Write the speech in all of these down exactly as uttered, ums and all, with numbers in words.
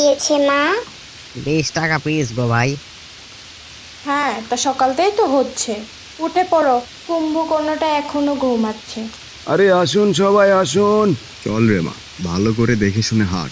গিয়েছে মা? বিশ টাকা পিস গো ভাই। হ্যাঁ, তা সকালতেই তো হচ্ছে। উঠে পড়ো, কুম্ভকর্ণটা এখনো ঘুমাচ্ছে। আরে আসুন সবাই আসুন। চল রে মা, ভালো করে দেখে শুনে হাঁট।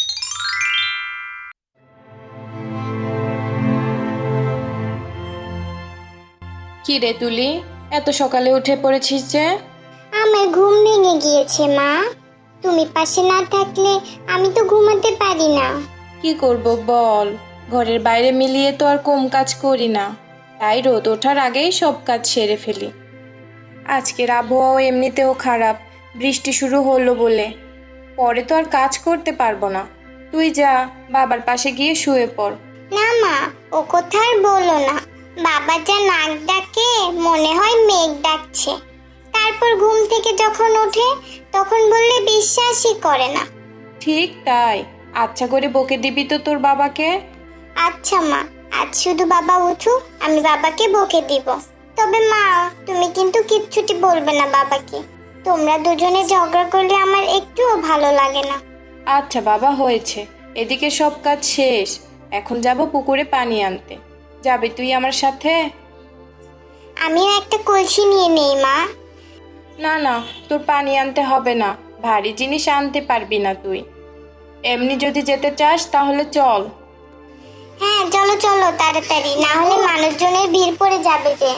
কি রে তুলি, এত সকালে উঠে পড়েছিস যে? আমার ঘুম ভেঙে গিয়েছে মা। তুমি পাশে না থাকলে আমি তো ঘুমাতে পারি না। কি করব বল, ঘরের বাইরে মিলিয়ে তো আর কম কাজ করি না, তাই রোদ ওঠার আগেই সব কাজ সেরে ফেলি। আজকের আবহাওয়াও এমনিতেও খারাপ, বৃষ্টি শুরু হলো বলে। পরে তো আর কাজ করতে পারবো না। তুই যা, বাবার পাশে গিয়ে শুয়ে পড়। না মা, ও কথা আর বলো না। বাবা যা নাক ডাকে মনে হয় মেঘ ডাকছে। তারপর ঘুম থেকে যখন ওঠে তখন বললে বিশ্বাসই করে না। ঠিক তাই, আচ্ছা করে বকে দিবি তো তোর বাবাকে। আচ্ছা মা, আজ শুধু বাবা উঠুক, আমি বাবাকে বকে দিব। তবে মা, তুমি কিন্তু কিচ্ছুটি বলবে না বাবাকে। তোমরা দুজনে ঝগড়া করলে আমার একটুও ভালো লাগে না। আচ্ছা বাবা, হয়েছে, এদিকে সব কাজ শেষ। এখন যাব পুকুরে পানি আনতে। যাবি তুই আমার সাথে? আমিও একটা কলসি নিয়ে নেই মা। না না, তোর পানি আনতে হবে না, ভারী জিনিস আনতে পারবি না তুই। এমনি যদি যেতে চাস তাহলে চল। হ্যাঁ চলো চলো তাড়াতাড়ি, না হলে মানুষজনের ভিড় পড়ে যাবে যে।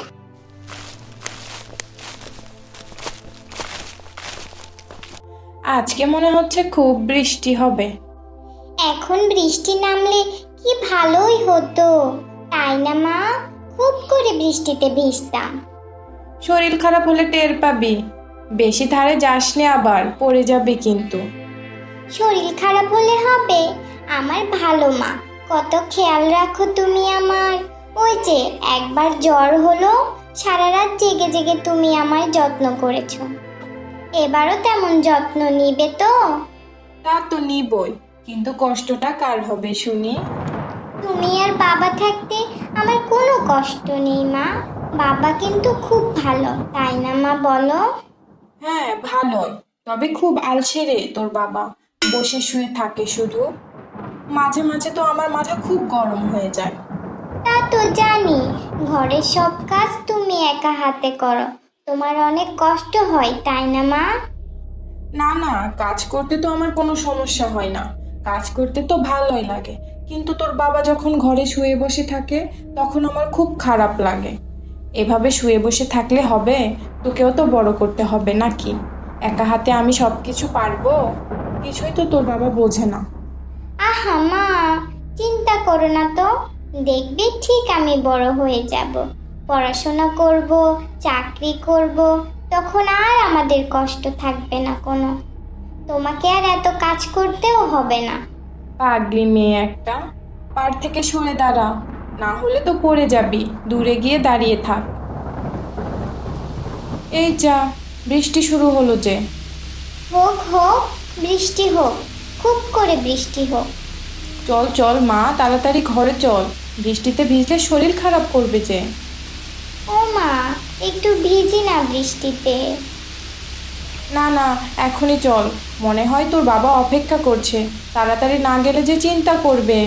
আজকে মনে হচ্ছে খুব বৃষ্টি হবে। এখন বৃষ্টি নামলে কি ভালোই হতো, তাই না মা? খুব করে বৃষ্টিতে ভিজতাম। শরীর খারাপ হলে টের পাবি, বেশি ধারে যাসনি, আবার পড়ে যাবি কিন্তু। শরীর খারাপ হলে হবে? আমার ভালো মা, কত খেয়াল রাখো তুমি আমার। ওই যে একবার জ্বর হলো, সারা রাত জেগে জেগে তুমি আমার যত্ন করেছো। এবারও তেমন যত্ন নিবে তো? তা তো নিবই, কিন্তু কষ্টটা কার হবে শুনি? তুমি আর বাবা থাকতে আমার কোনো কষ্ট নেই মা। বাবা কিন্তু খুব ভালো, তাই না মা বলো? হ্যাঁ ভালোই, তবে খুব আলসে রে তোর বাবা, বসে শুয়ে থাকে শুধু। মাঝে মাঝে তো আমার মাথা খুব গরম হয়ে যায়। তা তো জানি, ঘরের সব কাজ তুমি একা হাতে করো, তোমার অনেক কষ্ট হয় তাই না মা? না না, কাজ করতে তো আমার কোনো সমস্যা হয় না, কাজ করতে তো ভালোই লাগে। কিন্তু তোর বাবা যখন ঘরে শুয়ে বসে থাকে তখন আমার খুব খারাপ লাগে। এভাবে শুয়ে বসে থাকলে হবে? তোকেও তো বড় করতে হবে নাকি? একা হাতে আমি সব কিছু পারবো? কিছুই তো তোর বাবা বোঝে না। আহা মা, চিন্তা করো না তো, দেখবে ঠিক আমি বড় হয়ে যাব, পড়াশোনা করব, চাকরি করব, তখন আর আমাদের কষ্ট থাকবে না কোনো। তোমাকে আর এত কাজ করতেও হবে না। পাগলি মেয়ে একটা, পার থেকে সরে দাঁড়া, না হলে তো পড়ে যাবি। দূরে গিয়ে দাঁড়িয়ে থাক। এই যা, বৃষ্টি শুরু হলো যে। হোক হোক, বৃষ্টি হোক, খুব করে বৃষ্টি হোক। চল চল মা, তাড়াতাড়ি ঘরে চল, বৃষ্টিতে ভিজলে শরীর খারাপ করবে যে। ও মা, একটু ভিজি না বৃষ্টিতে। না না, এখনই চল, মনে হয় তোর বাবা অপেক্ষা করছে, তাড়াতাড়ি না গেলে যে চিন্তা করবে।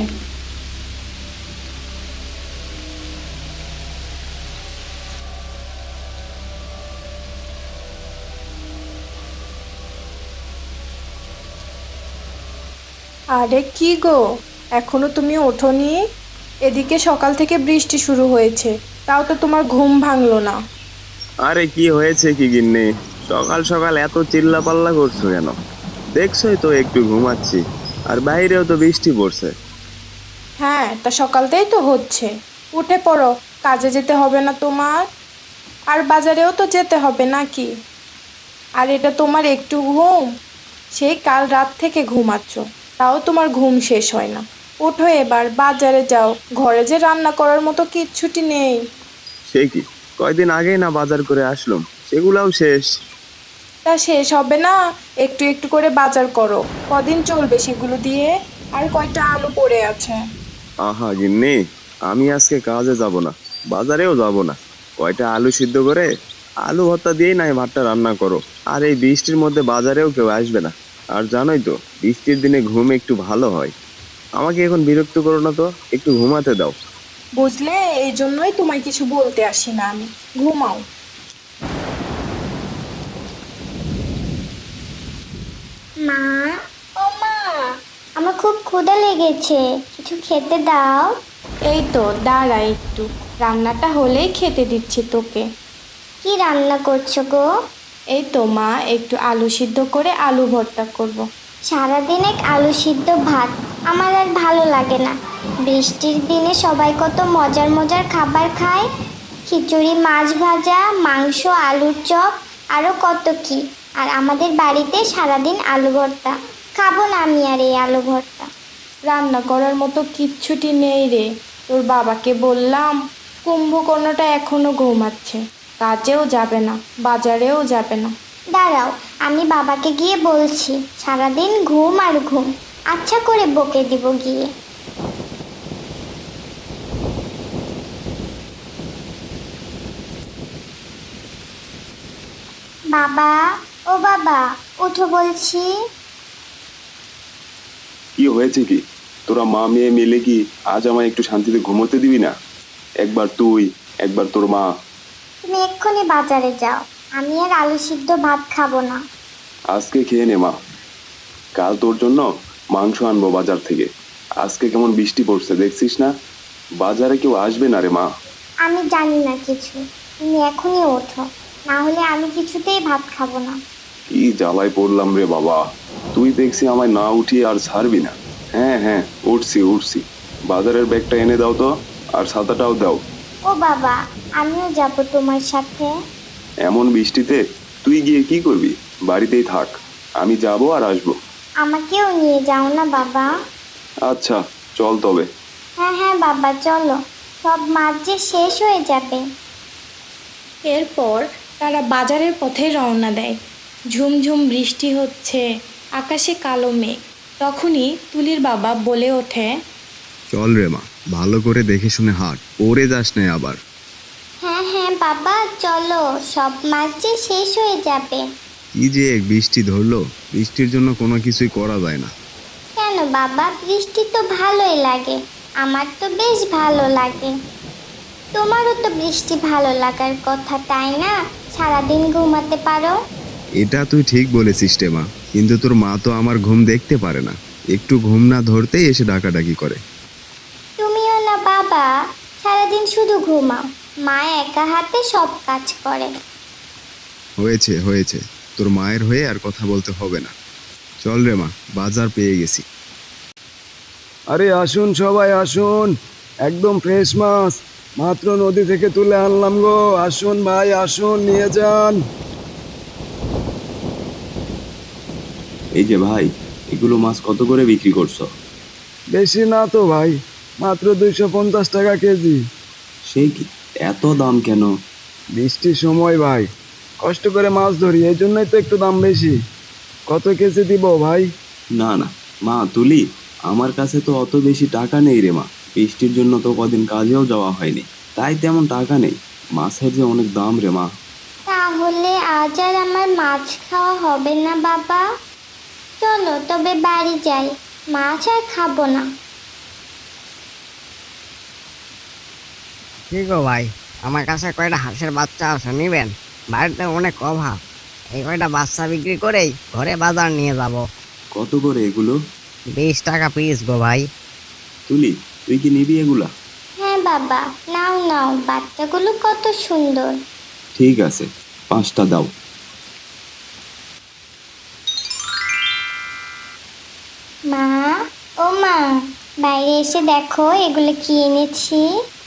আরে কি গো, এখনো তুমি ওঠোনি? এদিকে সকাল থেকে বৃষ্টি শুরু হয়েছে, তাও তো তোমার ঘুম ভাঙলো না। আরে কি হয়েছে কি গিন্নি, সকাল সকাল এত চিল্লা পাল্লা করছো কেন? দেখছোই তো একটু ঘুমাচ্ছি, আর বাইরেও তো বৃষ্টি পড়ছে। হ্যাঁ, তা সকালতেই তো হচ্ছে। উঠে পড়ো, কাজে যেতে হবে না তোমার? আর বাজারেও তো যেতে হবে নাকি? আর এটা তোমার একটু ঘুম? সেই কাল রাত থেকে ঘুমাচ্ছ, তাও তোমার ঘুম শেষ হয় না। ওঠো এবার, বাজারে যাও, ঘরে যে রান্না করার মতো কিচ্ছুটি নেই। সে কি, কয়দিন আগেই না বাজার করে আসলাম, সেগুলাও শেষ। তা শেষ হবে না? একটু একটু করে বাজার করো, কদিন চলবে সেগুলো দিয়ে? আর কয়টা আলু পড়ে আছে। আহা গিন্নি, আমি আজকে কাজে যাব না, বাজারেও যাব না। কয়টা আলু সিদ্ধ করে আলু ভর্তা দিয়েই নাই ভাতটা রান্না করো। আর এই বৃষ্টির মধ্যে বাজারেও কেউ আসবে না। আর জানোই তো, বৃষ্টির দিনে ঘুম একটু ভালো হয়। আমাকে এখন বিরক্ত করো না তো, একটু ঘুমাতে দাও। বুঝলে, এই জন্যই তোমায় কিছু বলতে আসি না আমি। ঘুমাও। মা, ও মা, আমার খুব ক্ষুধা লেগেছে, কিছু খেতে দাও। এই তো দাঁড়া একটু, রান্নাটা হলেই খেতে দিচ্ছি তোকে। কি রান্না করছো গো? এই তো মা, একটু আলু সিদ্ধ করে আলু ভর্তা করব। সারাদিন এক আলু সিদ্ধ ভাত আমার আর ভালো লাগে না। বৃষ্টির দিনে সবাই কত মজার মজার খাবার খায়, খিচুড়ি, মাছ ভাজা, মাংস, আলুর চপ, আরও কত কি। আর আমাদের বাড়িতে সারাদিন আলু ভর্তা। খাবো না আমি আর এই আলু ভর্তা। রান্না করার মতো কিচ্ছুটি নেই রে। তোর বাবাকে বললাম, কুম্ভকর্ণটা এখনো ঘুমাচ্ছে, কাজেও যাবে না, বাজারেও যাবে না। দাঁড়াও, আমি বাবাকে গিয়ে বলছি। সারাদিন ঘুম আর ঘুম, আচ্ছা করে বকে দিব গিয়ে। বাবা, ও বাবা, উঠো বলছি। কি হয়েছে কি? তোরা মা মেয়ে মিলে কি আজ আমায় একটু শান্তিতে ঘুমোতে দিবি না? একবার তুই, একবার তোর মা। তুমি এক্ষুনি বাজারে যাও, আমি আর আলু সিদ্ধ ভাত খাবো না। আজকে খেয়ে নে মা, কাল তোর জন্য মাংস আনবো বাজার থেকে। আজকে কেমন বৃষ্টি পড়ছে দেখছিস না? বাজারে কেউ আসবে না রে মা। আমি জানি না কিছু, তুমি এখনই ওঠো, না হলে আমি কিছুতেই ভাত খাবো না। কি জ্বালায় পড়লাম রে বাবা, তুই দেখছি আমায় না উঠিয়ে আর ছাড়বি না। হ্যাঁ হ্যাঁ, উঠছি উঠছি। বাজারের ব্যাগটা এনে দাও তো, আর ছাতাটাও দাও। ও বাবা, আমিও যাব তোমার সাথে। এমন বৃষ্টিতে তুই গিয়ে কি করবি? বাড়িতেই থাক, আমি যাব আর আসবো। আমাকেও নিয়ে যাও না বাবা। আচ্ছা চল তবে। হ্যাঁ হ্যাঁ বাবা, চলো, সব মাছ যে শেষ হয়ে যাবে। এরপর তারা বাজারের পথে রওনা দেয়। ঝুমঝুম বৃষ্টি হচ্ছে, আকাশে কালো মেঘ। তখনই তুলির বাবা বলে ওঠে, চল রে মা, ভালো করে দেখে শুনে হাঁট, পড়ে যাস না আবার। হ্যাঁ হ্যাঁ বাবা, চলো, সব মাছ যে শেষ হয়ে যাবে। কি যে এক বৃষ্টি ধরলো, বৃষ্টির জন্য কোনো কিছুই করা যায় না। কেন বাবা, বৃষ্টি তো ভালোই লাগে, আমার তো বেশ ভালো লাগে। তোমারও তো বৃষ্টি ভালো লাগার কথা, তাই না? সারাদিন ঘুমাতে পারো। এটা তুই ঠিক বলেছিস রে মা, কিন্তু তোর মা তো আমার ঘুম দেখতে পারে না, একটু ঘুম না ধরতেই এসে ডাকাডাকি করে। তুমিও না বাবা, সারাদিন শুধু ঘুমাও, মা একা হাতে সব কাজ করে। হয়েছে হয়েছে, তোর মায়ের হয়ে আর কথা বলতে হবে না। চল রে মা, বাজার পেয়ে গেছি। আরে আসুন সবাই আসুন, একদম ফ্রেশ মাছ মাত্র নদী থেকে তুলে আনলাম গো। আসুন ভাই আসুন, নিয়ে যান। এই যে ভাই, এগুলো মাছ কত করে বিক্রি করছো? বেশি না তো ভাই, মাত্র দুইশো পঞ্চাশ টাকা কেজি। সেই কি, এত দাম কেন? বৃষ্টির সময় ভাই, কষ্ট করে মাছ ধরি, এই জন্যই তো একটু দাম বেশি। কত কেজি দিব ভাই? না না মা তুলি, আমার কাছে তো অত বেশি টাকা নেই রে মা। বৃষ্টির জন্য তো কদিন কাজেও যাওয়া হয়নি, তাই তেমন টাকা নেই। মাছের যে অনেক দাম রে মা। তাহলে আজ আর আমার মাছ খাওয়া হবে না বাবা। চলো তবে বাড়ি যাই, মাছ আর খাবো না। কি গো ভাই, আমার কাছে কয়টা হাঁসের বাচ্চা আছে, নিবেন? বাড়িতে অনেক অভাব, এই কয়টা বাচ্চা বিক্রি করেই ঘরে বাজার নিয়ে যাব। কত করে এগুলো? বিশ টাকা পিস গো ভাই। তুলি, তুই কি নিবি এগুলা? হ্যাঁ বাবা, নাও নাও, বাচ্চাগুলো কত সুন্দর। ঠিক আছে, পাঁচটা দাও। মা, ও মা, বাইরে এসে দেখো এগুলো কি এনেছি।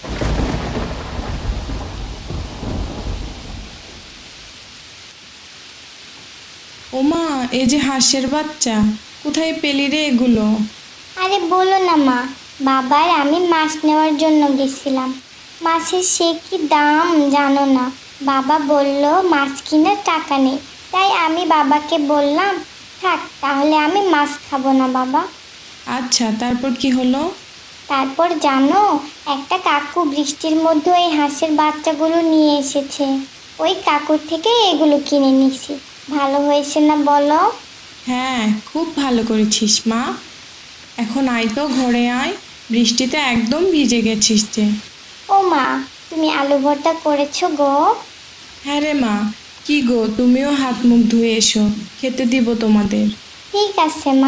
ওমা, এই যে হাঁসের বাচ্চা, কোথায় পেলি রে এগুলো? আরে বলো না মা, বাবার আমি মাছ নেওয়ার জন্য গেছিলাম। মাছের সে কি দাম জানো না। বাবা বলল মাছ কেনার টাকা নেই, তাই আমি বাবাকে বললাম থাক, তাহলে আমি মাছ খাবো না বাবা। আচ্ছা, তারপর কি হলো? তারপর জানো, একটা কাকু বৃষ্টির মধ্যে এই হাঁসের বাচ্চাগুলো নিয়ে এসেছে। ওই কাকুর থেকে এগুলো কিনে নিছি। ভালো হয়েছে না বলো? হ্যাঁ, খুব ভালো করেছিস মা। এখন এখন আয় তো ঘরে আয়, বৃষ্টিতে একদম ভিজে গেছিস যে। ও মা, তুমি আলু ভর্তা করেছো গো? হ্যাঁ রে মা, কি গো তুমিও হাত মুখ ধুয়ে এসো, খেতে দিব তোমাদের। ঠিক আছে মা।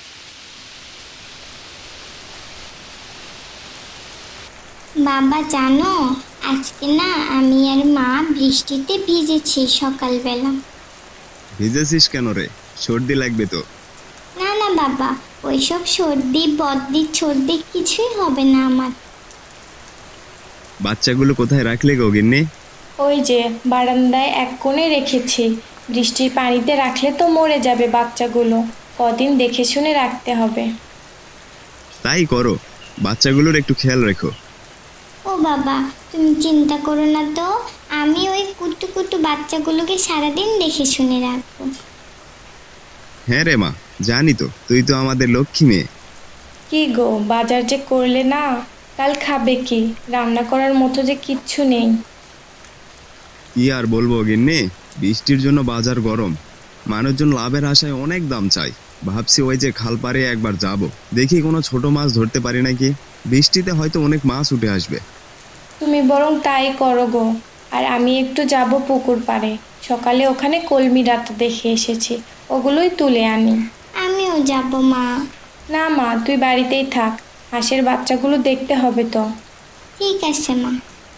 বাবা জানো, আজকে না আমি আর মা বৃষ্টিতে ভিজেছি সকালবেলা। ভিজেছিস কেন রে? সর্দি লাগবে তো। না না বাবা, ওইসব সর্দি বদ্দি সর্দি কিছুই হবে না আমার। বাচ্চাগুলো কোথায় রাখলে গো গিন্নি? ওই যে বারান্দায় এক কোণে রেখেছি, বৃষ্টির পানিতে রাখলে তো মরে যাবে বাচ্চাগুলো, কদিন দেখে শুনে রাখতে হবে। তাই করো, বাচ্চাগুলোর একটু খেয়াল রেখো। ও বাবা, তুমি চিন্তা করো না তো, আমি ওই কুটু কুটু বাচ্চাগুলোকে সারাদিন দেখে শুনে রাখবো। হ্যাঁ রে মা, জানি তো তুই তো আমাদের লক্ষ্মী মেয়ে। কি গো বাজার যে করলে না, কাল খাবে কি? রান্না করার মতো যে কিচ্ছু নেই। কি আর বলবো গিন্নি, বৃষ্টির জন্য বাজার গরম, মানুষজন লাভের আশায় অনেক দাম চাই। ভাবছি ওই যে খাল পাড়ে একবার যাব, দেখি কোনো ছোট মাছ ধরতে পারি নাকি। বৃষ্টিতে হয়তো অনেক মাছ উঠে আসবে। তুমি বরং তাই করো গো, আর আমি একটু যাব পুকুর পাড়ে, সকালে ওখানে কলমি ডাঁটা দেখে এসেছি, ওগুলোই তুলে আনি। আমিও যাব মা। না মা, তুই বাড়িতেই থাক, হাঁসের বাচ্চাগুলো দেখতে হবে তো। ঠিক আছে মা।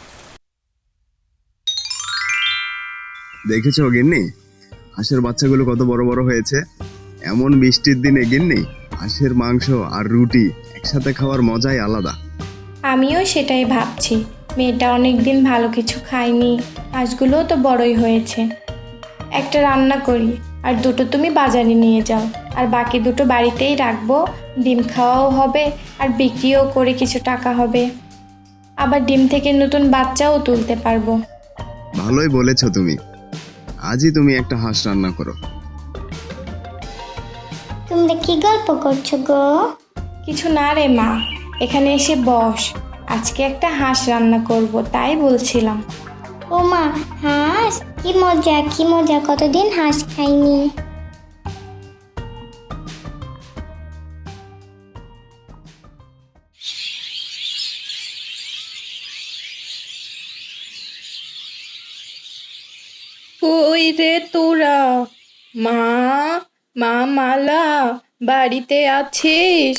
দেখেছো গিন্নি, হাঁসের বাচ্চাগুলো কত বড় বড় হয়েছে। এমন বৃষ্টির দিনে গিন্নি, হাঁসের মাংস আর রুটি একসাথে খাওয়ার মজাই আলাদা। আমিও সেটাই ভাবছি, মেয়েটা অনেক দিন ভালো কিছু খায়নি, হাঁসগুলোও তো বড়ই হয়েছে। একটা রান্না করি, আর দুটো তুমি বাজারে নিয়ে যাও, আর বাকি দুটো বাড়িতেই রাখবো, ডিম খাওয়াও হবে আর বিক্রিও করে কিছু টাকা হবে, আবার ডিম থেকে নতুন বাচ্চাও তুলতে পারবো। ভালোই বলেছো তুমি, আজই তুমি একটা হাঁস রান্না করো। তোমরা কি গল্প করছো গো? কিছু না রে মা, এখানে এসে বস, আজকে একটা হাঁস রান্না করব তাই বলছিলাম। ও মা, হাঁস? কি মজা কি মজা, কতদিন হাঁস খাইনি। কই রে তোরা? মা, মা মালা, বাড়িতে আছিস?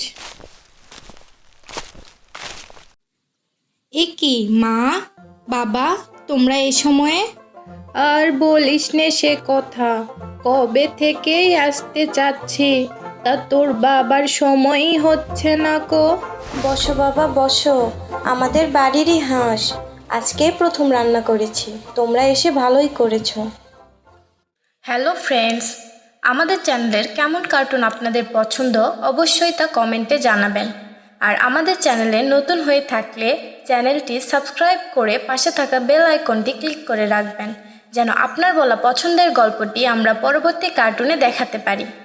এ কি মা, বাবা, তোমরা এই সময়ে? আর বলিস নে সে কথা, কবে থেকেই আসতে চাচ্ছি, তা তোর বাবার সময়ই হচ্ছে না কো। বসো বাবা বসো, আমাদের বাড়িরই হাঁস, আজকেই প্রথম রান্না করেছি, তোমরা এসে ভালোই করেছো। হ্যালো ফ্রেন্ডস, আমাদের চ্যানেলের কেমন কার্টুন আপনাদের পছন্দ অবশ্যই তা কমেন্টে জানাবেন। আর আমাদের চ্যানেলে নতুন হয়ে থাকলে চ্যানেলটি সাবস্ক্রাইব করে পাশে থাকা বেল আইকনটি ক্লিক করে রাখবেন, যেন আপনার বলা পছন্দের গল্পটি আমরা পরবর্তী কার্টুনে দেখাতে পারি।